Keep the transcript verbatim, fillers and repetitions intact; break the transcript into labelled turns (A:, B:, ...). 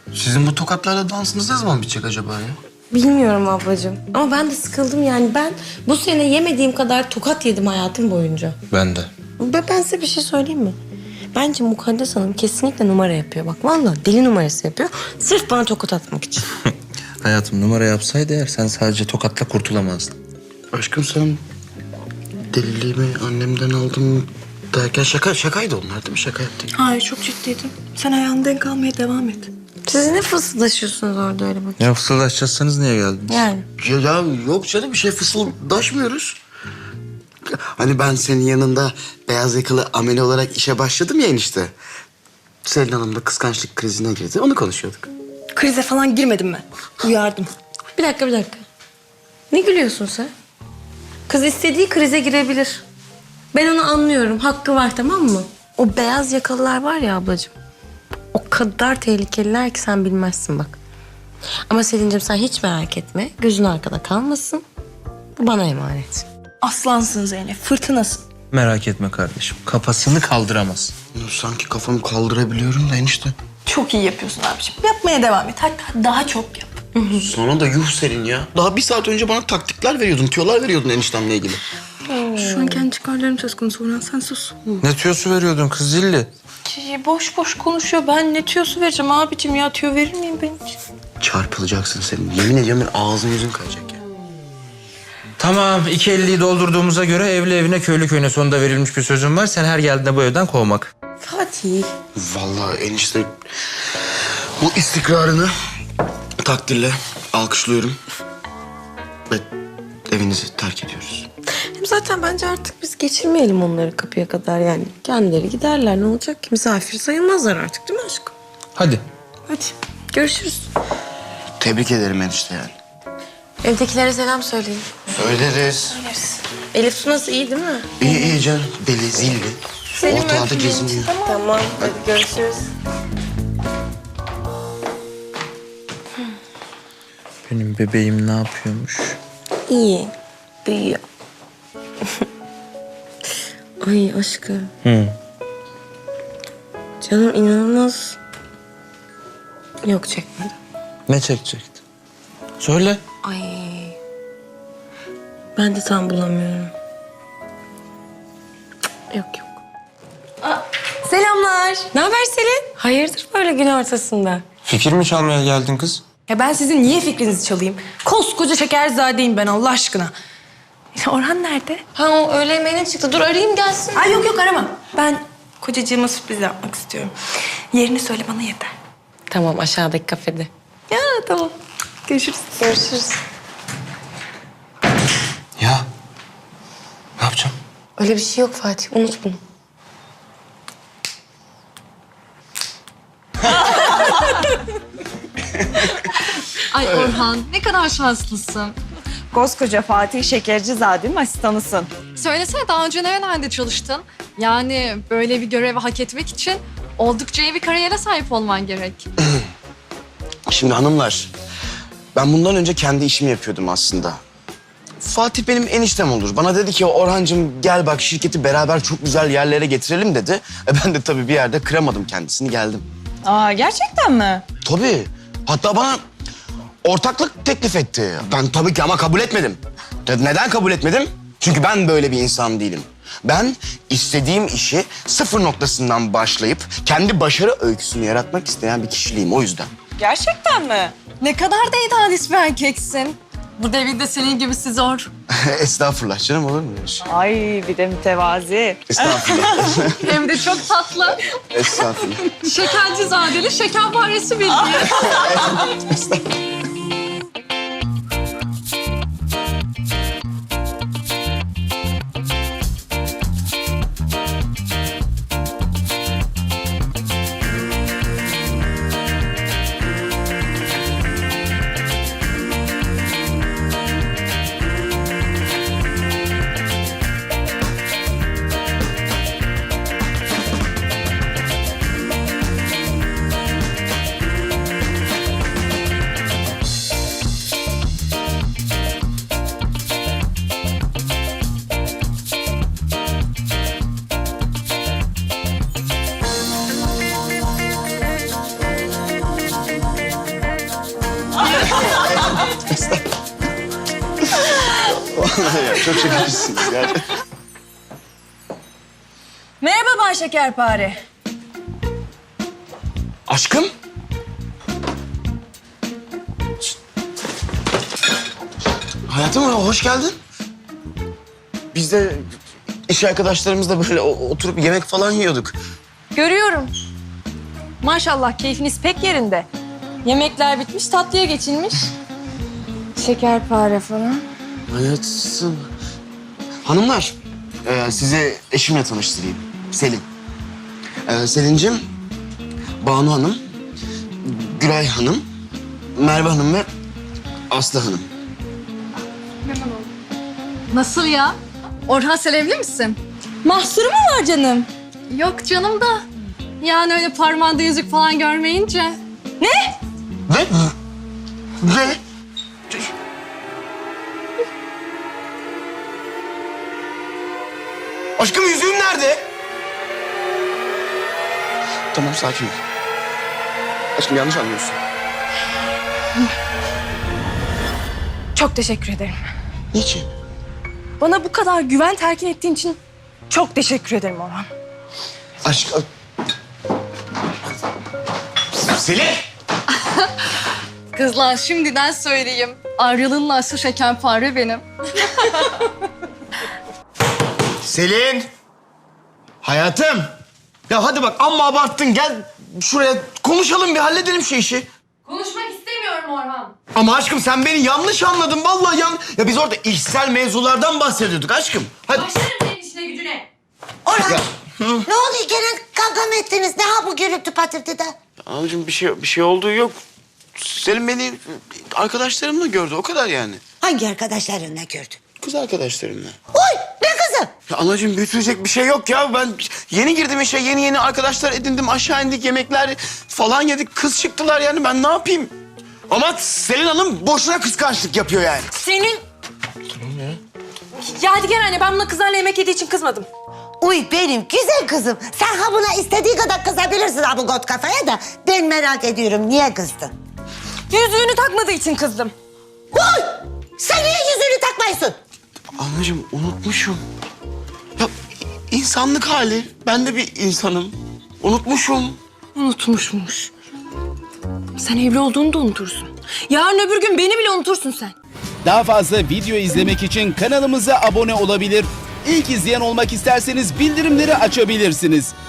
A: Sizin bu tokatlarla dansınız ne zaman bitecek acaba ya?
B: Bilmiyorum ablacığım. Ama ben de sıkıldım yani. Ben bu sene yemediğim kadar tokat yedim hayatım boyunca.
A: Ben de.
B: Ben, ben size bir şey söyleyeyim mi? Bence Mukaddes Hanım kesinlikle numara yapıyor. Bak vallahi deli numarası yapıyor. Sırf bana tokat atmak için.
A: Hayatım numara yapsaydı eğer sen sadece tokatla kurtulamazdın. Aşkım sen deliliğimi annemden aldım derken şaka şakaydı onlar değil mi? Şaka yaptık.
C: Hayır, çok ciddiydim. Sen ayağını denk almaya devam et.
B: Siz ne fısıldaşıyorsunuz orada öyle bakayım?
A: Ya fısıldaşacaksanız niye geldiniz?
B: Yani.
A: Ya, ya yok canım bir şey fısıldaşmıyoruz. Hani ben senin yanında beyaz yakalı amele olarak işe başladım ya enişte. Selin Hanım da kıskançlık krizine girdi. Onu konuşuyorduk.
C: Krize falan girmedim ben. Uyardım.
B: Bir dakika bir dakika. Ne gülüyorsun sen? Kız istediği krize girebilir. Ben onu anlıyorum. Hakkı var tamam mı? O beyaz yakalılar var ya ablacığım. O kadar tehlikeliler ki sen bilmezsin bak. Ama Selin'cim sen hiç merak etme. Gözün arkada kalmasın. Bu bana emanet.
C: Aslansın Zeynep, fırtınasın.
A: Merak etme kardeşim. Kafasını kaldıramaz. Sanki kafamı kaldırabiliyorum da enişte.
C: Çok iyi yapıyorsun abiciğim. Yapmaya devam et. Hatta daha çok yap.
A: Sana da yuh Selin ya. Daha bir saat önce bana taktikler veriyordun, tüyolar veriyordun eniştemle ilgili.
C: Şu an kendi çıkarlarım söz konusu. Orhan sen sus.
A: Ne tüyosu veriyordun kız zilli?
C: Ki boş boş konuşuyor. Ben ne tüyosu vereceğim abicim ya? Tüyo verir miyim ben hiç?
A: Çarpılacaksın Selin. Yemin ediyorum ben ağzın yüzün kayacak ya.
D: Tamam, iki elliyi doldurduğumuza göre evli evine köylü köyüne sonunda verilmiş bir sözüm var. Sen her geldiğinde bu evden kovmak.
B: Fatih.
A: Vallahi enişte bu istikrarını takdirle alkışlıyorum. Ve evinizi terk ediyoruz.
B: Hem zaten bence artık biz geçirmeyelim onları kapıya kadar yani. Kendileri giderler ne olacak ki? Misafir sayılmazlar artık değil mi aşkım?
D: Hadi.
B: Hadi görüşürüz.
A: Tebrik ederim enişte yani.
B: Evdekilere selam söyleyin.
A: Söyleriz.
B: Elif Su nasıl iyi değil mi?
A: İyi iyi canım. Deli zilli. Ortalarda geziniyor.
B: Tamam hadi görüşürüz.
D: Benim bebeğim ne yapıyormuş?
B: İyi. Büyüyor. Ay aşkım.
D: Hı.
B: Canım inanılmaz. Yok çekmedi.
D: Ne çekecekti? Söyle.
B: Ay. Ben de tam bulamıyorum. Cık, Yok yok.
E: Selamlar.
B: Ne haber Selin? Hayırdır böyle gün ortasında?
D: Fikir mi çalmaya geldin kız?
E: Ya ben sizin niye fikrinizi çalayım? Koskoca şekerzadeyim ben Allah aşkına. Ya Orhan nerede?
B: Ha o öğle yemeğine çıktı. Dur arayayım gelsin.
E: Ay yok yok aramam. Ben kocacığıma sürpriz yapmak istiyorum. Yerini söyle bana yeter.
B: Tamam aşağıdaki kafede.
E: Ya tamam. Görüşürüz.
B: Görüşürüz.
A: Ya ne yapacağım?
B: Öyle bir şey yok Fatih. Unut bunu.
F: Ay Orhan ne kadar şanslısın.
G: Koskoca Fatih Şekercizade'nin asistanısın.
F: Söylesene daha önce nerelerde çalıştın? Yani böyle bir görevi hak etmek için oldukça iyi bir kariyere sahip olman gerek.
A: Şimdi hanımlar, ben bundan önce kendi işimi yapıyordum aslında. Fatih benim eniştem olur. Bana dedi ki Orhancığım gel bak şirketi beraber çok güzel yerlere getirelim dedi. E ben de tabii bir yerde kıramadım kendisini geldim.
G: Aa gerçekten mi?
A: Tabii. Hatta bana ortaklık teklif etti. Ben tabii ki ama kabul etmedim. De- Neden kabul etmedim? Çünkü ben böyle bir insan değilim. Ben istediğim işi sıfır noktasından başlayıp kendi başarı öyküsünü yaratmak isteyen bir kişiliğim o yüzden.
G: Gerçekten mi?
F: Ne kadar da idealist bir erkeksin. Bu devirde senin gibisi zor.
A: Estağfurullah canım olur mu öyle şey?
G: Ay bir de mütevazi.
A: Estağfurullah.
F: Hem de çok tatlı.
A: Estağfurullah.
F: Şekercizadeli şekerparesi bildiğin.
A: ya, çok şekersiniz yani.
E: Merhaba Bay Şekerpare.
A: Aşkım. Hayatım hoş geldin. Biz de iş arkadaşlarımızla böyle o- oturup yemek falan yiyorduk.
E: Görüyorum. Maşallah keyfiniz pek yerinde. Yemekler bitmiş, tatlıya geçilmiş. Şekerpare falan.
A: Hayatım. Hanımlar, e, size eşimle tanıştırayım. Selin. E, Selin'cim, Banu Hanım, Gülay Hanım, Merve Hanım ve Aslı Hanım.
F: Nasıl ya? Orhan sen evli misin?
E: Mahsuru mu var canım?
F: Yok canım da. Yani öyle parmağında yüzük falan görmeyince.
E: Ne?
A: Ve... Ve... Aşkım yüzüğüm nerede? Tamam sakin ol. Aşkım yanlış anlıyorsun.
E: Çok teşekkür ederim.
A: Niçin?
E: Bana bu kadar güven telkin ettiğin için çok teşekkür ederim Orhan.
A: Aşk... Selin!
F: Kızlar şimdiden söyleyeyim. Ayrılığın aslı şekerpare benim.
A: Selin! Hayatım! Ya hadi bak amma abarttın. Gel şuraya konuşalım bir halledelim şu işi.
F: Konuşmak istemiyorum Orhan.
A: Ama aşkım sen beni yanlış anladın. Vallahi yan... Ya biz orada işsel mevzulardan bahsediyorduk aşkım. Hadi.
F: Başlarım senin işine gücüne.
H: Orhan,
A: Ya,
H: ne oluyor gene kavga mı ettiniz? Ne ha bu gürültü patırtıda?
A: Anacığım bir şey bir şey olduğu yok. Selin beni arkadaşlarımla gördü. O kadar yani.
H: Hangi arkadaşlarınla gördün?
A: Kız arkadaşlarımla.
H: Oy, ne kızım?
A: Ya anacığım büyütülecek bir şey yok ya. Ben yeni girdim işe. Yeni yeni arkadaşlar edindim. Aşağı indik yemekler falan yedik. Kız çıktılar yani ben ne yapayım? Ama Selin Hanım boşuna kıskançlık yapıyor yani.
E: Senin... Tamam ya. Yadigar anne, ben buna kızlarla yemek yediği için kızmadım.
H: Uy benim güzel kızım. Sen ha buna istediği kadar kızabilirsin ha bu got kafaya da. Ben merak ediyorum niye kızdın?
E: Yüzüğünü takmadığı için kızdım.
H: Uy! Sen niye yüzüğünü takmıyorsun?
A: Anacığım unutmuşum. Ya insanlık hali. Ben de bir insanım. Unutmuşum.
E: Unutmuşmuş. Sen evli olduğunu da unutursun. Yarın öbür gün beni bile unutursun sen.
I: Daha fazla video izlemek için kanalımıza abone olabilir. İlk izleyen olmak isterseniz bildirimleri açabilirsiniz.